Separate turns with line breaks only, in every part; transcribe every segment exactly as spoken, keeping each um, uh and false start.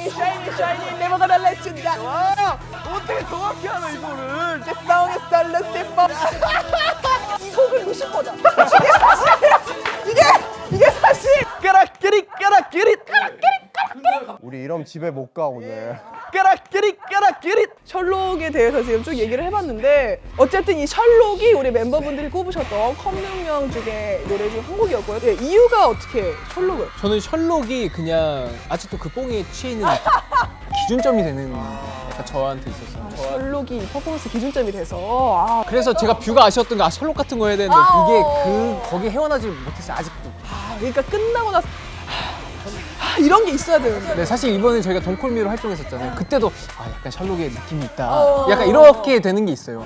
Shiny, shiny, shiny, never gonna let you down.
와, 어떻게 정확히 하나 이거를?
The song is the Lucifer. 이 곡은 루시퍼다. 이게 이게 사실.
까락끼리 까락끼리
우리 이러면 집에 못 가 오늘.
까락끼리 까락끼리.
셜록에 대해서 지금 쭉 얘기를 해봤는데 어쨌든 이 셜록이 우리 멤버분들이 꼽으셨던 컴백명 중에 노래 중 한 곡이었고요. 예, 이유가 어떻게 셜록을?
저는 셜록이 그냥 아직도 그 뽕에 취해 있는 기준점이 되는 약간 저한테 있었어요. 저-
셜록이 이 퍼포먼스 기준점이 돼서 아,
그래서 제가 뷰가 아쉬웠던 게 아, 셜록 같은 거 해야 되는데
아,
이게
어.
그 거기 헤어나지 못했어요 아직도.
아, 그러니까 끝나고 나서 아, 이런 게 있어야 되는데.
네, 사실 이번에 저희가 동콜미로 활동했었잖아요. 그때도 아, 약간 셜록의 느낌이 있다.
어.
약간 이렇게 되는 게 있어요.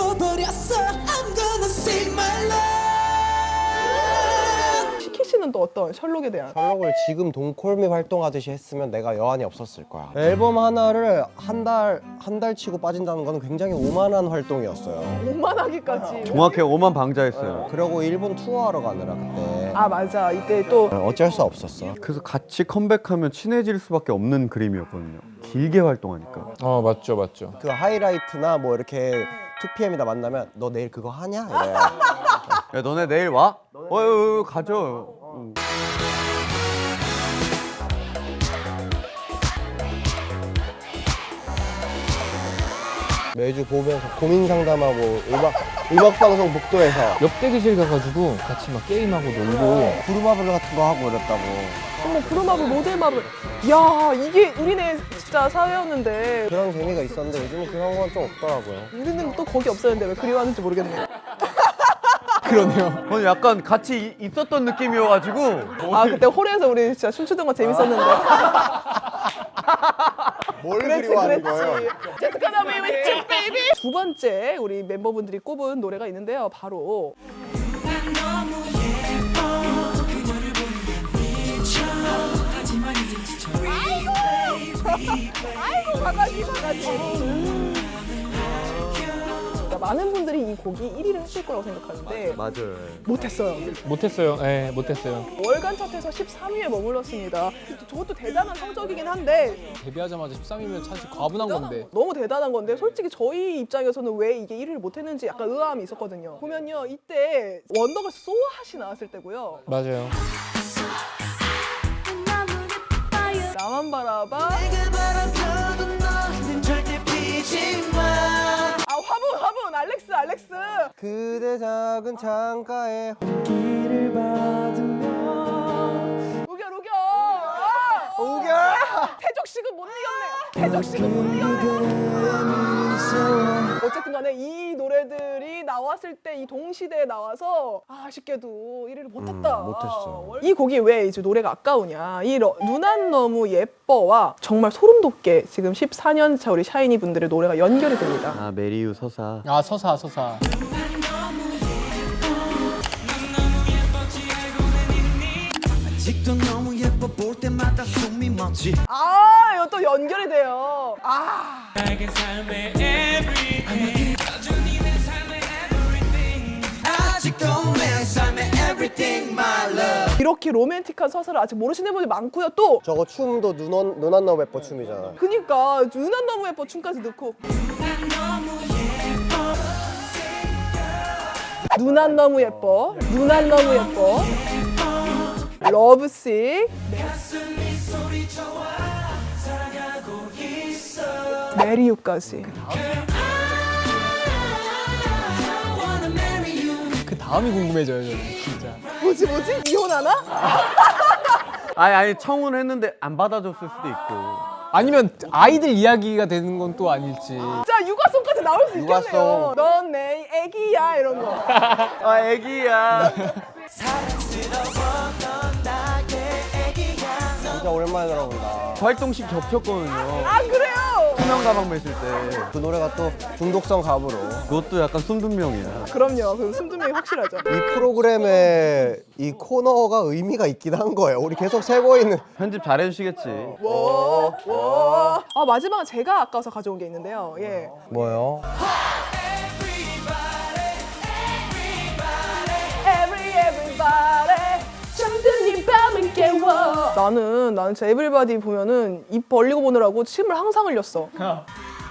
시키 씨는 또 어떤 셜록에 대한?
셜록을 지금 동콜미 활동하듯이 했으면 내가 여한이 없었을 거야. 앨범 하나를 한 달 한 달 치고 빠진다는 거는 굉장히 오만한 활동이었어요.
오만하기까지.
정확히 오만 방자했어요.
그리고 일본 투어하러 가느라 그때
아 맞아 이때 또
어쩔 수 없었어.
그래서 같이 컴백하면 친해질 수밖에 없는 그림이었거든요. 길게 활동하니까.
어 맞죠 맞죠.
그 하이라이트나 뭐 이렇게 투피엠이다 만나면 너 내일 그거 하냐? 이래.
야 너네 내일 와? 어, 어, 어 가죠. 응.
매주 보면서 고민 상담하고 음악 음악 방송 복도에서
옆 대기실 가가지고 같이 막 게임하고 놀고.
부루마블 같은 거 하고 이랬다고.
어머 브루마블 모델마블. 야 이게 우리네 진짜 사회였는데
그런 재미가 있었는데 요즘은 그런 건 좀 없더라고요.
우리는 또 거기 없었는데 왜 그리워하는지 모르겠네.
그러네요.
오늘 약간 같이 이- 있었던 느낌이어가지고.
아 그때 홀에서 우리 진짜 춤추던 거 재밌었는데.
뭘
그랬지
그리워하는 거예요?
그랬지. Just gonna be with you, baby. 두 번째 우리 멤버분들이 꼽은 노래가 있는데요. 바로 아이고 바가지 바가지. 그러니까 많은 분들이 이 곡이 일 위를 했을 거라고 생각하는데
맞아요.
못했어요.
못했어요. 예, 못했어요.
월간 차트에서 십삼 위에 머물렀습니다. 저것도 대단한 성적이긴 한데
데뷔하자마자 십삼 위면 사실 과분한 건데.
너무 대단한 건데 솔직히 저희 입장에서는 왜 이게 일 위를 못했는지 약간 의아함이 있었거든요. 보면요 이때 원더걸스 소아하시 나왔을 때고요.
맞아요.
나만 바라봐. 아 화분 화분 알렉스 알렉스.
그대 작은 창가에
우겨 우겨. 아!
우겨.
태적식은 못 이겼네. 태적식은 못 이겼네. 어쨌든 간에 이 노래들이 나왔을 때 이 동시대에 나와서 아쉽게도 일 위를 못했다.
음, 못했어요.
이 곡이 왜 이제 노래가 아까우냐. 이 러, 누난 너무 예뻐와 정말 소름 돋게 지금 십사 년 차 우리 샤이니 분들의 노래가 연결이 됩니다.
아 메리유 서사.
아 서사 서사.
아직도 너무 예뻐 볼 때마다 숨이 멎지.
아, 이거 또 연결이 돼요. 아.
아직도 내 삶의 everything my love.
이렇게 로맨틱한 서사를 아직 모르시는 분이 많고요. 또
저거 춤도 눈원 눈안 너무 예뻐 춤이잖아.
그니까 누난 너무 예뻐 춤까지 넣고 누난 너무 예뻐 누난 너무 예뻐 러브식 메리유까지.
그 다음이 궁금해져요 저는 진짜.
뭐지 뭐지? 이혼하나?
아니 아니 청혼했는데 안 받아줬을 수도 있고.
아니면 아이들 이야기가 되는 건 또 아닐지.
자 육아송까지 나올 수 있겠네요.
육아송.
넌 내 애기야 이런 거.
아 애기야.
진짜 오랜만에 들어본다.
활동식 겹쳤거든요.
아 그래요?
투명 가방 매실 때.
그 노래가 또 중독성 갑으로
그것도 약간 숨둔명이야.
그럼요. 그 숨두명이 확실하죠.
이 프로그램에 이 코너가 의미가 있긴 한 거예요. 우리 계속 세고 있는.
편집 잘해주시겠지.
와, 와. 아 마지막은 제가 아까워서 가져온 게 있는데요. 예.
뭐요?
Every everybody 잠든 이 밤을 깨워. 나는 나는 진짜 에브리바디 보면은 입 벌리고 보느라고 침을 항상 흘렸어. 아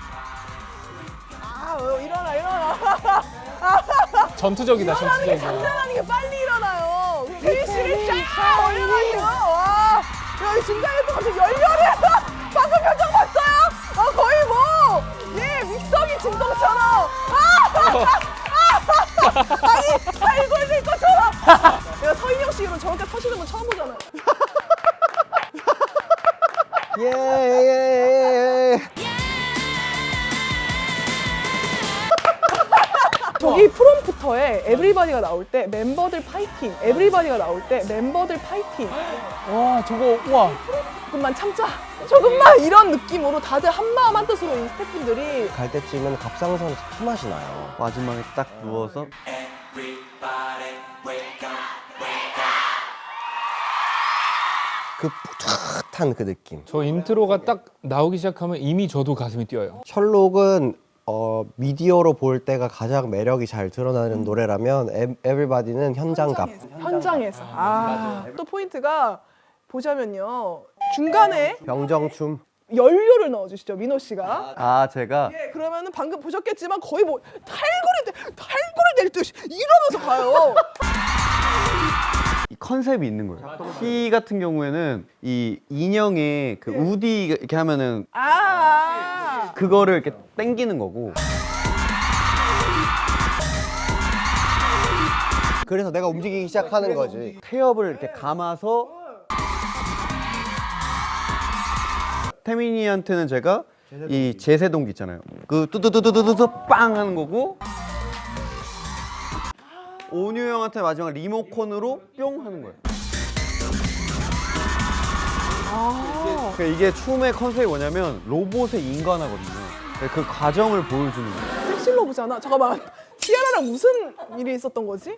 어, 일어나 일어나.
전투적이다,
일어나는 게
전투적이야.
장난 아니게 빨리 일어나요. 페이스를 쫙 올려가지고 와. 야, 이 중간에 또 갑자기 열렬해. 방금 표정 봤어요? 아 거의 뭐 예 믹서기 진동처럼. 아! 아니 달골릴 것처럼. 내가 서인영 씨 이런 저렇게 터시는 건 처음 보잖아요.
예, 예, 예.
저기 프롬프터에 에브리바디가 나올 때 멤버들 파이팅, 에브리바디가 나올 때 멤버들 파이팅.
와, 저거, 와.
조금만 참자. 조금만 이런 느낌으로 다들 한마음 한뜻으로 이 스태프분들이
갈 때쯤은 갑상선에서 피맛이 나요.
마지막에 딱 누워서
그 뿌듯한 그 느낌.
저 인트로가 딱 나오기 시작하면 이미 저도 가슴이 뛰어요.
셜록은 어, 미디어로 볼 때가 가장 매력이 잘 드러나는 노래라면 에, 에브리바디는 현장감.
현장에서. 아, 또 포인트가 보자면요. 중간에
병정춤.
연료를 넣어주시죠, 민호 씨가.
아 제가
예, 그러면은 방금 보셨겠지만 거의 뭐 탈골이 될, 탈골이 될 듯이 이러면서 가요.
이 컨셉이 있는 거예요. 키 같은 경우에는 이 인형의 그 우디 이렇게 하면은
아,
그거를 이렇게 당기는 거고.
그래서 내가 움직이기 시작하는 거지.
태엽을 이렇게 감아서 태민이한테는 제가 이 제세동기 있잖아요. 그 뚜두두두두두 빵 하는 거고 온유 형한테 마지막 리모컨으로 뿅 하는 거예요. 그러니까 이게 춤의 컨셉이 뭐냐면 로봇의 인간화거든요. 그 과정을 보여주는 거예요.
섹실로브잖아. 잠깐만. 티아라랑 무슨 일이 있었던 거지?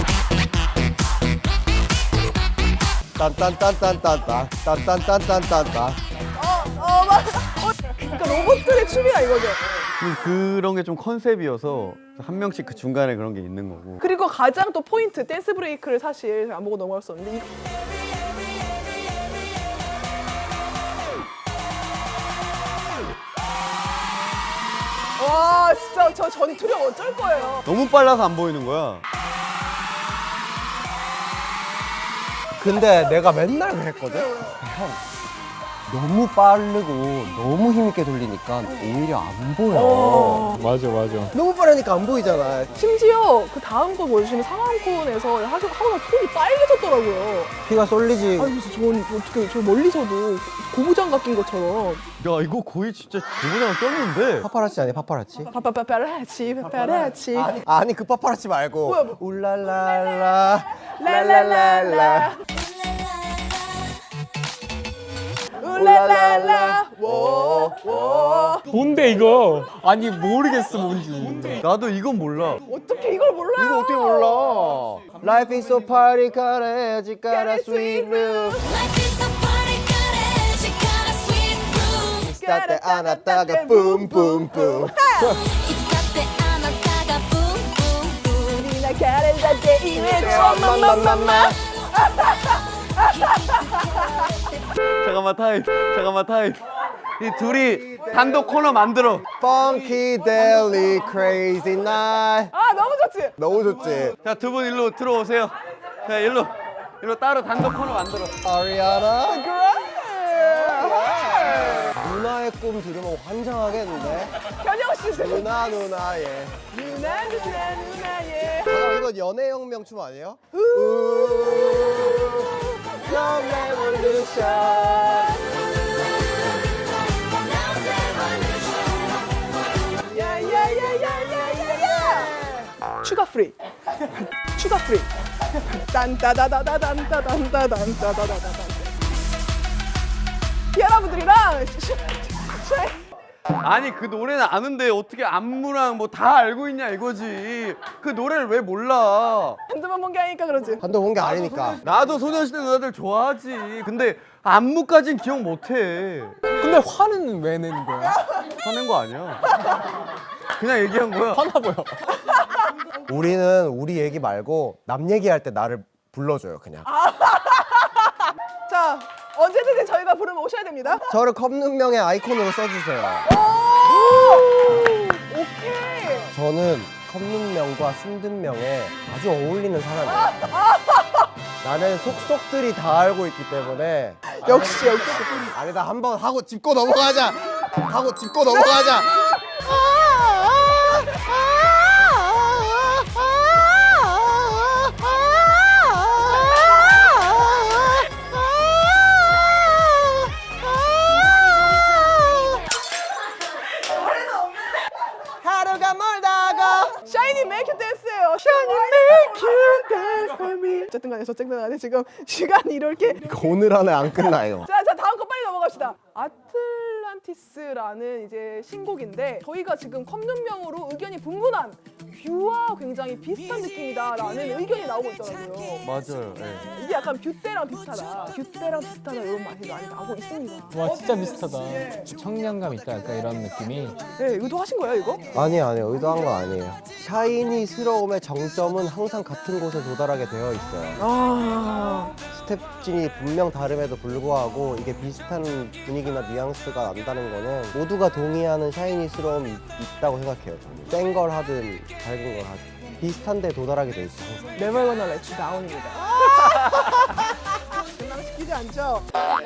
딴딴딴딴딴딴 딴딴딴딴딴딴.
어, 어, 맞. 어, 그러니까 로봇들의 춤이야 이거죠.
그런 게 좀 컨셉이어서 한 명씩 그 중간에 그런 게 있는 거고.
그리고 가장 또 포인트 댄스 브레이크를 사실 안 보고 넘어갈 수 없는데 이... 와 진짜 저 전투력 어쩔 거예요.
너무 빨라서 안 보이는 거야.
근데 내가 맨날 그랬거든? 형, 너무 빠르고 너무 힘있게 돌리니까 오히려 안 보여.
맞아, 맞아.
너무 빠르니까 안 보이잖아.
심지어 그 다음 거 보여주시는 상암콘에서 하고 하고 손이 빨개졌더라고요.
피가 쏠리지.
아니 그래서 전 어떻게 저 멀리서도 고무장갑 낀 것처럼
야 이거 거의 진짜 고무장을 꼈는데.
파파라치 아니야, 파파라치?
파파파파라치 파파라치
아니, 아니 그 파파라치 말고.
뭐야, 뭐.
울랄랄라
랄랄랄라 울랄랄라 워워
뭔데, 이거? 아니, 모르겠어, 뭔지.
나도 이건 몰라.
어떻게 이걸 몰라요?
이거 어떻게 몰라? Life is so party, gotta, gotta sweet room.
Life is a party, gotta, she got a sweet room.
Start the 안았다가 boom, boom, boom.
It's got the 안았다가 boom, boom, boom.
우리나 가렌다 데이메 엄마마마마
잠깐만 타임. 잠깐만 타임. 이 둘이 단독 코너 만들어.
Funky Deli Crazy Night.
아 너무 좋지?
너무 좋지?
자 두 분 일로 들어오세요. 자 일로 일로 따로 단독 코너 만들어.
아리아나?
그래
누나의 꿈 들으면 환장하겠는데?
현영씨
누나 누나의.
누나 누나 누나의
잠깐 이건 연애혁명 춤 아니에요? Love Revolution.
야야야야야야야 추가 프리 추가 프리 딴따다다다단따단따단따다다다단 여러분들이랑
아니 그 노래는 아는데 어떻게 안무랑 뭐 다 알고 있냐 이거지. 그 노래를 왜 몰라?
한두번 본 게 아니니까 그러지.
한도 본 게 아니니까.
나도 소녀시대 누나들 좋아하지. 근데 안무까진 기억 못해.
근데 화는 왜 내는 거야?
화낸 거 아니야. 그냥 얘기한 거야.
화나 보여.
우리는 우리 얘기 말고 남 얘기할 때 나를 불러줘요 그냥.
자, 언제든지 저희가 부르면 오셔야 됩니다.
저를 컵눈명의 아이콘으로 써주세요.
오케이.
저는 컵눈명과 순든명에 아주 어울리는 사람이에요. 나는 속속들이 다 알고 있기 때문에
역시 역시.
아니다 한번 하고 짚고 넘어가자. 하고 짚고 넘어가자. 하루가 멀다고.
샤이니 메이크 댄스예요. 샤이니 메이크 댄스 for me. 어쨌든 간에 어쨌든 간에 지금 시간이 이렇게.
오늘 안에 안 끝나요.
자, 자 다음 거 빨리 넘어갑시다. 아틀란티스라는 이제 신곡인데 저희가 지금 컵눈명으로 의견이 분분한 뷰와 굉장히 비슷한 느낌이다라는 의견이 나오고 있더라고요.
맞아요. 네.
이게 약간 뷰 때랑 비슷하다. 뷰 때랑 비슷하다 이런 말이 많이 나오고 있습니다.
와 진짜 비슷하다.
예.
청량감 있다 약간 이런 느낌이.
네, 의도하신 거예요 이거?
아니요 아니요 의도한 건 아니에요. 샤이니스러움의 정점은 항상 같은 곳에 도달하게 되어 있어요.
아,
스텝진이 분명 다름에도 불구하고 이게 비슷한 분위기나 뉘앙스가 난다는 거는 모두가 동의하는 샤이니스러움이 있- 있다고 생각해요. 저는 센 걸 하든 밝은 걸 하든 비슷한 데 도달하게 돼 있어 항상.
Never gonna let you down입니다. 실망시키지 않죠?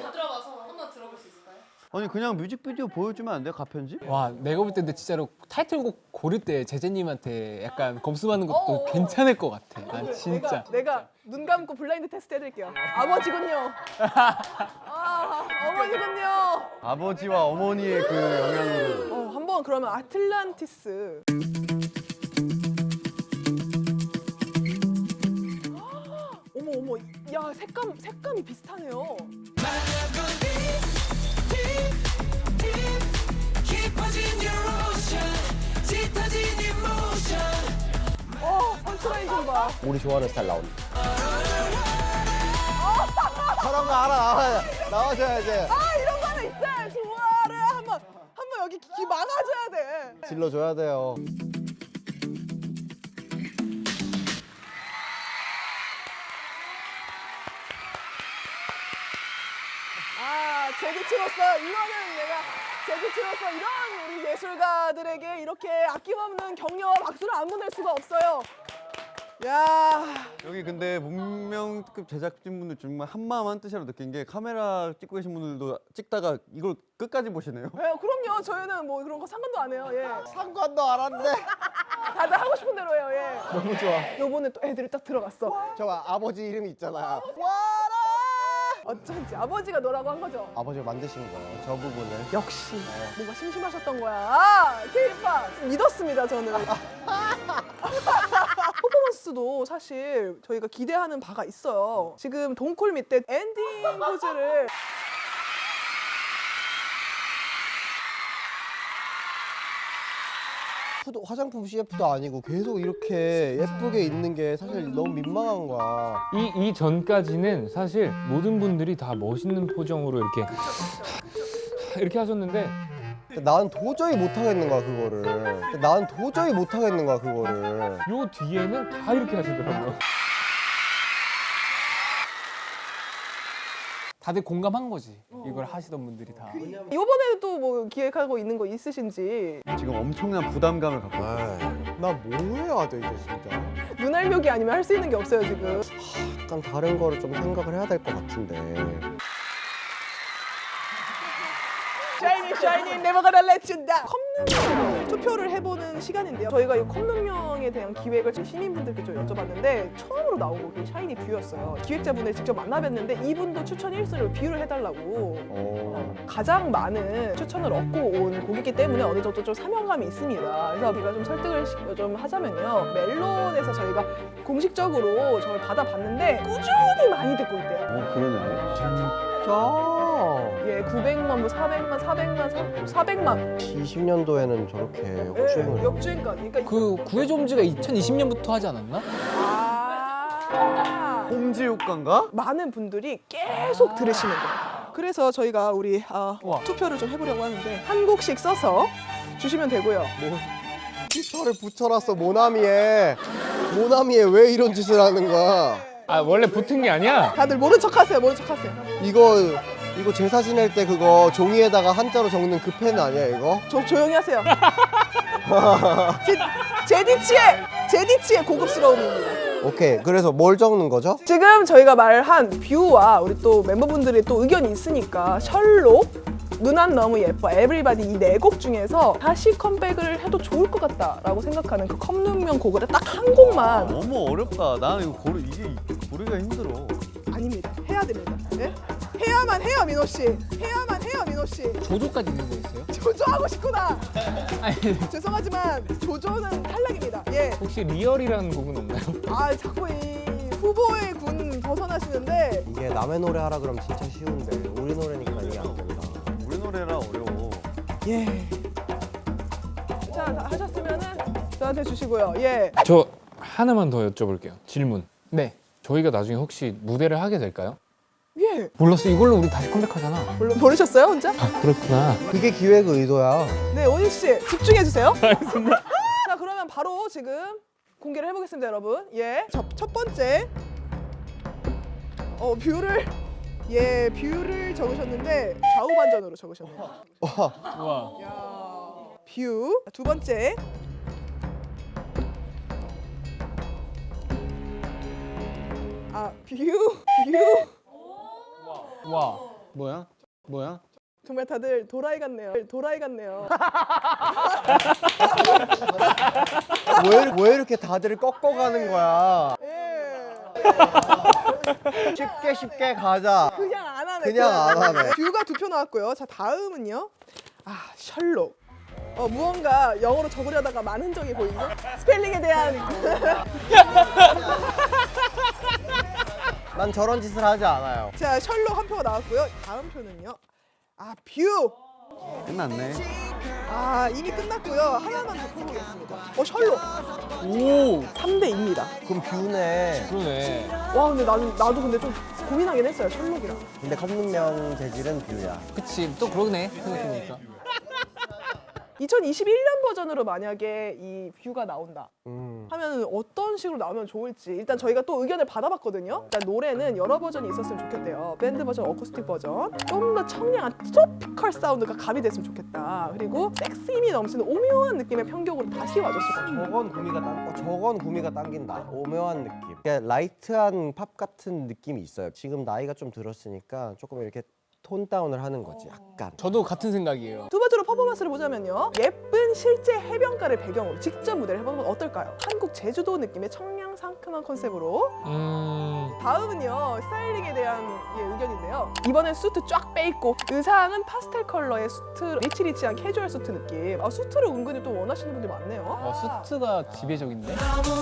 아니 그냥 뮤직비디오 보여주면 안 돼요? 가편지?
와 내가 볼 때 근데 진짜로 타이틀곡 고를 때 제재님한테 약간 검수받는 것도
어, 어.
괜찮을 것 같아. 난 진짜.
내가, 내가 눈 감고 블라인드 테스트 해드릴게요. 아버지군요. 아, 어머니군요.
아버지와 어머니의 그 영향으로.
어, 한번 그러면 아틀란티스. 어머 어머, 야 색감 색감이 비슷하네요. 어, 선크라인 좀 봐.
우리 좋아하는 스타일 나온다. 저런 거 알아 나와 나와줘야지.
아 이런 거 하나 있어요. 좋아래 한번 한번 여기 귀 막아줘야 돼.
질러줘야 돼요.
아, 제기치로서 이거는 내가 제기치로서 이런 우리 예술가들에게 이렇게 아낌없는 격려와 박수를 안 보낼 수가 없어요. 야,
여기 근데 문명급 제작진분들 정말 한마음 한뜻이라고 느낀 게 카메라 찍고 계신 분들도 찍다가 이걸 끝까지 보시네요.
예, 그럼요. 저희는 뭐 그런 거 상관도 안 해요. 예,
상관도 안 한데.
다들 하고 싶은 대로 해요. 예.
너무 좋아.
요번에 또 애들이 딱 들어갔어.
저 아버지 이름이 있잖아요.
어쩐지 아버지가 너라고 한 거죠.
아버지가 만드신 거예요. 저 부분을.
역시 뭔가 심심하셨던 거야. 아, 케이팝 믿었습니다 저는. 퍼포먼스도 사실 저희가 기대하는 바가 있어요. 지금 동콜 밑에 엔딩 포즈를
셰프도 화장품 씨에프도 아니고 계속 이렇게 예쁘게 있는 게 사실 너무 민망한 거야.
이, 이 전까지는 사실 모든 분들이 다 멋있는 표정으로 이렇게 이렇게 하셨는데
근데 나는 도저히 못 하겠는 거야 그거를. 근데 나는 도저히 못 하겠는 거야 그거를.
요 뒤에는 다 이렇게 하시더라고요.
다들 공감한 거지. 이걸 하시던 분들이 다.
이번에도 뭐 기획하고 있는 거 있으신지.
지금 엄청난 부담감을 갖고 있어요.
나뭐 해야 돼 이제 진짜.
눈알묘기 아니면 할 수 있는 게 없어요 지금.
약간 다른 거를 좀 생각을 해야 될 것 같은데.
샤이니 샤이니 never gonna let you down. 컵눈명을 투표를 해보는 시간인데요. 저희가 이 컵눈명에 대한 기획을 좀 시민분들께 좀 여쭤봤는데 처음으로 나온 곡이 샤이니 뷰였어요. 기획자분을 직접 만나뵀는데 이분도 추천 일 순위로 뷰를 해달라고.
어.
가장 많은 추천을 얻고 온 곡이기 때문에 어느 정도 좀 사명감이 있습니다. 그래서 우리가 좀 설득을 시- 좀 하자면요. 멜론에서 저희가 공식적으로 저걸 받아봤는데 꾸준히 많이 듣고 있대요.
어 그러네.
진짜.
예, 구백만, 뭐 사백만, 사백만, 사백만.
이십 년도에는 저렇게
예,
역주행을.
역주행까지. 그러니까
그 구해좀지가 이천이십 년부터 하지 않았나?
아,
홈즈 효과인가?
많은 분들이 계속 들으시는 거예요. 그래서 저희가 우리 어,
우와.
투표를 좀 해보려고 하는데 한 곡씩 써서 주시면 되고요.
깃털을 붙여놨어 모나미에. 모나미에 왜 이런 짓을 하는 거야?
아 원래 붙은 게 아니야.
다들 모른 척하세요. 모른 척하세요.
이거 이거 제사 지낼 때 그거 종이에다가 한자로 적는 그 펜 아니야 이거?
조, 조용히 하세요. 제, 제디치의 제디치의 고급스러움입니다.
오케이. 그래서 뭘 적는 거죠?
지금 저희가 말한 뷰와 우리 또 멤버분들의 또 의견이 있으니까 셜록, 누난 너무 예뻐, 에브리바디 이 네 곡 중에서 다시 컴백을 해도 좋을 것 같다라고 생각하는 그 컵눈명 곡을 딱 한 곡만.
너무 어렵다. 나는 이거 고르 이게 고르기가 힘들어.
아닙니다. 해야 됩니다. 예? 해야만 해요, 민호 씨. 해야만 해요, 민호 씨.
조조까지 있는 거였어요?
조조하고 싶구나.
아니
죄송하지만 조조는 탈락입니다. 예.
혹시 리얼이라는 곡은 없나요?
아 자꾸 이 후보의 군 벗어나시는데.
이게 남의 노래 하라 그러면 진짜 쉬운데 우리 노래니까 이게 안 된다.
우리 노래라 어려워.
예. 자, 다 하셨으면은 저한테 주시고요. 예.
저 하나만 더 여쭤볼게요. 질문.
네.
저희가 나중에 혹시 무대를 하게 될까요?
예.
몰랐어. 이걸로 우리 다시 컴백하잖아.
물론 모르셨어요, 혼자?
아 그렇구나.
그게 기획 의도야.
네, 오진 씨 집중해 주세요. 알겠습니다. 자, 그러면 바로 지금 공개를 해보겠습니다, 여러분. 예. 첫, 첫 번째. 어, 뷰를 예, 뷰를 적으셨는데 좌우 반전으로 적으셨네요.
우와.
야, 뷰. 두 번째. 아, 뷰, 뷰.
와.
뭐야? 뭐야?
정말 다들 도라이 같네요. 도라이 같네요.
왜, 왜 이렇게 다들 꺾어가는 거야?
예.
쉽게 쉽게 가자.
그냥 안 하네.
그냥 안 하네.
뷰가 두 표 나왔고요. 자, 다음은요. 아, 셜록. 어, 무언가 영어로 적으려다가 많은 흔적이 보이죠? 스펠링에 대한
난 저런 짓을 하지 않아요.
자, 셜록 한 표가 나왔고요. 다음 표는요. 아, 뷰.
끝났네.
아, 이미 끝났고요. 하나만 더 뽑아보겠습니다. 어, 셜록.
오.
삼 대 이입니다.
그럼 뷰네.
그러네.
와, 근데 나는 나도 근데 좀 고민하긴 했어요. 셜록이랑.
근데 컵눈명 재질은 뷰야.
그치. 또 그러네. 생각해보니까.
이천이십일 년 버전으로 만약에 이 뷰가 나온다
음.
하면 어떤 식으로 나오면 좋을지 일단 저희가 또 의견을 받아봤거든요. 일단 노래는 여러 버전이 있었으면 좋겠대요. 밴드 버전, 어쿠스틱 버전. 좀 더 청량한 트로피컬 사운드가 가미됐으면 좋겠다. 그리고 섹시미 넘치는 오묘한 느낌의 편곡으로 다시 와줬을 것 같아요.
저건 구미가 당, 어, 저건 구미가 당긴다. 오묘한 느낌. 그러니까 라이트한 팝 같은 느낌이 있어요. 지금 나이가 좀 들었으니까 조금 이렇게 톤 다운을 하는 거지. 약간.
저도 같은 생각이에요.
두 번째로 퍼포먼스를 보자면요. 예쁜 실제 해변가를 배경으로 직접 무대를 해보는 건 어떨까요? 한국 제주도 느낌의 청량 상큼한 컨셉으로.
음.
다음은요. 스타일링에 대한 예, 의견인데요. 이번엔 수트 쫙 빼입고 의상은 파스텔 컬러의 수트, 리치리치한 캐주얼 수트 느낌. 아, 수트를 은근히 또 원하시는 분들이 많네요.
어, 수트가 지배적인데?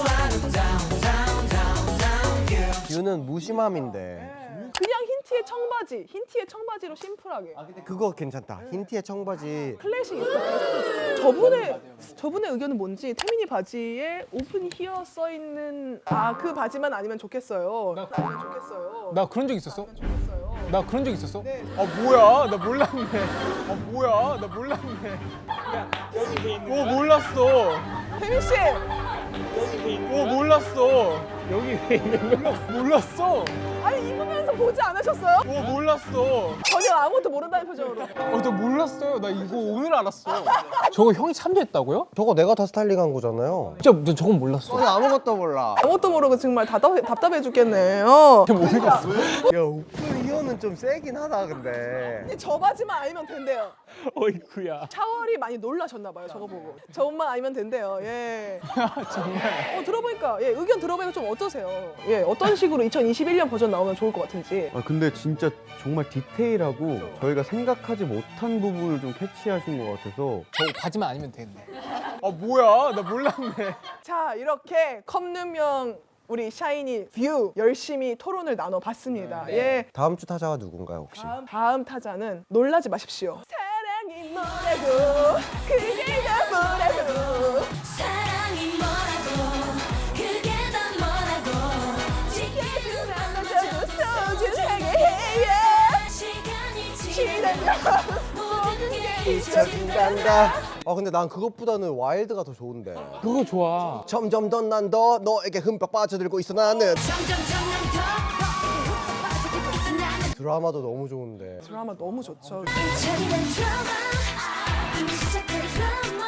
뷰는 무심함인데.
그냥 흰 티에 청바지, 흰 티에 청바지로 심플하게.
그거 괜찮다. 흰 티에 청바지.
클래식 있어. 저분의 저분의 의견은 뭔지 태민이 바지에 오픈 히어 써 있는 아 그 바지만 아니면 좋겠어요.
나-
아니면 좋겠어요.
나 그런 적 있었어?
아니면 좋겠어요.
나 그런 적 있었어?
네.
아 뭐야? 나 몰랐네. 아 뭐야? 나 몰랐네. 오 몰랐어.
태민 씨,
오 몰랐어. 여기 왜 있는 거야? 몰랐어.
아니 입으면서 보지 않으셨어요?
오 몰랐어.
전혀 아무것도 모른다는 표정으로.
어, 저 몰랐어요. 나 이거 오늘 알았어. 저거 형이 참조했다고요?
저거 내가 다 스타일링한 거잖아요.
진짜 너 저건 몰랐어.
저는 아무것도 몰라.
아무것도 모르고 정말 답답해, 답답해 죽겠네요.
야, 오픈 히어는 좀 세긴 하다 근데.
저 바지만 아니면 된대요.
어이쿠야.
샤월이 많이 놀라셨나 봐요. 저거 보고. 저 옷만 아니면 된대요. 예. 정말. 어 들어보니까 예 의견 들어보니까 좀 어떠세요? 예 어떤 식으로 이천이십일 년 버전 나오면 좋을 것 같은지.
아 근데 진짜 정말 디테일하고 저희가 생각하지 못한 부분을 좀 캐치하신 것 같아서
저거 바지만 아니면 되는데. 아 뭐야? 나 몰랐네.
자 이렇게 컵눈명 우리 샤이니 뷰 열심히 토론을 나눠봤습니다. 예.
다음 주 타자가 누군가요 혹시?
다음, 다음 타자는 놀라지 마십시오. 사랑이 뭐라고 그게 다 뭐라고
사랑이 뭐라고 그게 다 뭐라고
지켜주면 너도 소중하게 해요.
시간이
지나면
지나면 모든 게
잊혀진단다. 아 근데 난 그것보다는 와일드가 더 좋은데.
그거 좋아.
점점 더 난 더 너에게 흠뻑 빠져들고 있어 나는.
점점 점점 더 빠져들고 있어 나는
드라마도 너무 좋은데.
드라마 너무 좋죠.
차리는 드라마 이미 시작된 드라마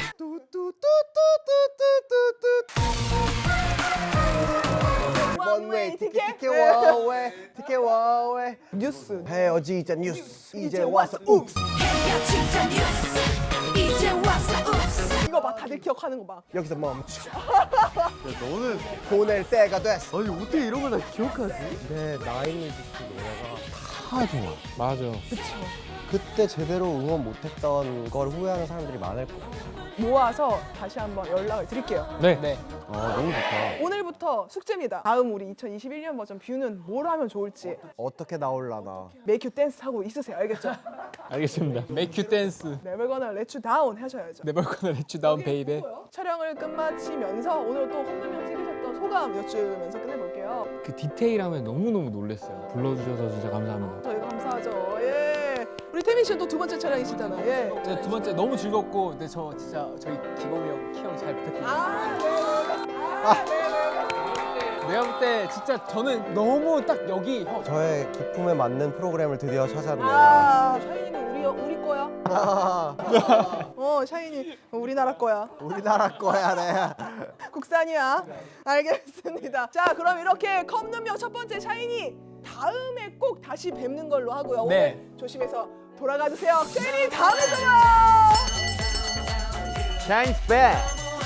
원웨이 티켓 티켓 원웨이 티켓 원웨이.
뉴스.
헤어지자 뉴스 이제 와서 욱스.
헤어지자 뉴스 이제 와서 읍스
이거 봐, 다들 기억하는 거 봐.
여기서 멈춰.
너는
보낼 때가 됐어.
아니 어떻게 이런 걸 다 기억하지?
근데 나인뮤지스 노래가 다 좋아.
맞아.
그때 제대로 응원 못했던 걸 후회하는 사람들이 많을 거야.
모아서 다시 한번 연락을 드릴게요.
네.
네.
아 너무 좋다.
오늘부터 숙제입니다. 다음 우리 이천이십일 년 버전 뷰는 뭘 하면 좋을지
어떻게 나올라나.
메이큐 댄스 하고 있으세요. 알겠죠?
알겠습니다.
Make you dance.
네버거나 렛츠 다운 하셔야죠.
Never gonna let you down, baby.
촬영을 끝마치면서 오늘 또 홍두명 챙기셨던 소감 여쭈면서 끝내볼게요.
그 디테일함에 너무너무 놀랐어요. 불러주셔서 진짜 감사합니다.
저희가 감사하죠. 예. 우리 태민 씨는 또 두 번째 촬영이시잖아요. 예.
네, 두 번째 너무 즐겁고, 근데 저 진짜 저희 기범이 형, 키 형 잘 부탁드립니다.
아, 네. 아, 네.
내가 볼 때 진짜 저는 너무 딱 여기 형.
저의 기품에 맞는 프로그램을 드디어 찾았네요.
아, 샤이니는 우리 우리 거야.
아,
어, 샤이니 우리나라 거야.
우리나라 거야, 네.
국산이야. 알겠습니다. 자, 그럼 이렇게 컵눈명 첫 번째 샤이니 다음에 꼭 다시 뵙는 걸로 하고요.
네.
오늘 조심해서 돌아가 주세요. 샤이니 다음에 봐요.
Shines back.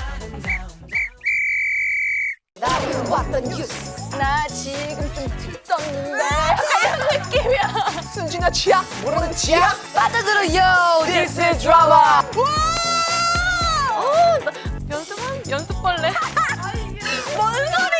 나는 왔던 뉴스 나 지금 좀 들떴는데 이런 느낌이야
순진아 취약 모르는 취약.
빠져들어요 This is drama 와 어, 나 연습한 연습벌레 뭔 소리야